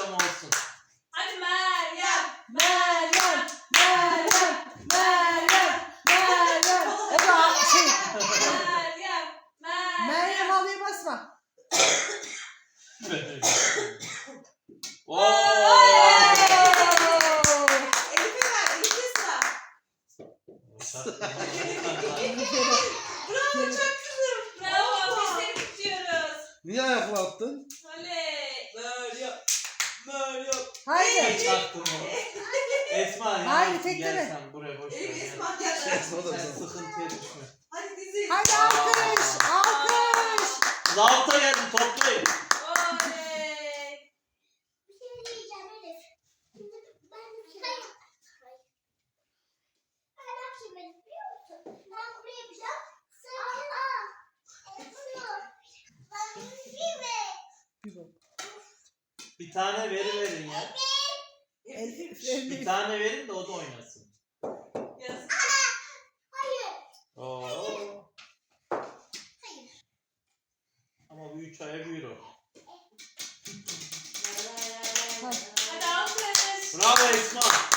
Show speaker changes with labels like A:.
A: akşam olsun.
B: Hadi Meryem.
C: Meryem. Meryem. Meryem. Meryem. O da şey.
B: Meryem.
C: Meryem halıya basma.
D: Elif'e ver. Elif'e sıra. Bravo çok kızım.
B: Bravo. Biz seni tutuyoruz.
E: Niye ayakla attın?
B: Oley.
D: Meryem. Meryem.
C: Haydi.
A: Çaktım o. Esma ya.
C: Hayır, tekleme.
A: Gel sen buraya boş ver.
D: Elif
A: gel.
D: Esma gel.
A: Sen sıkıntıya düşme.
D: Hadi dizi.
C: Hadi alkış. Alkış.
A: Zavta geldi toplayın.
B: Oley.
F: Bir şey diyeceğim Elif. Şimdi ben bir şey yapayım. Ben ne yapayım Elif biliyor musun? Ben buraya yapacağım. Sen bunu. Ben bir mi?
A: Bir tane verin ya.
C: Elif.
A: Bir tane verin de o da oynasın.
B: Yazık.
F: Hayır.
A: Oo.
F: Hayır.
A: Ama bu 3 aya büyür o.
B: Hadi alkış.
A: Bravo Esma.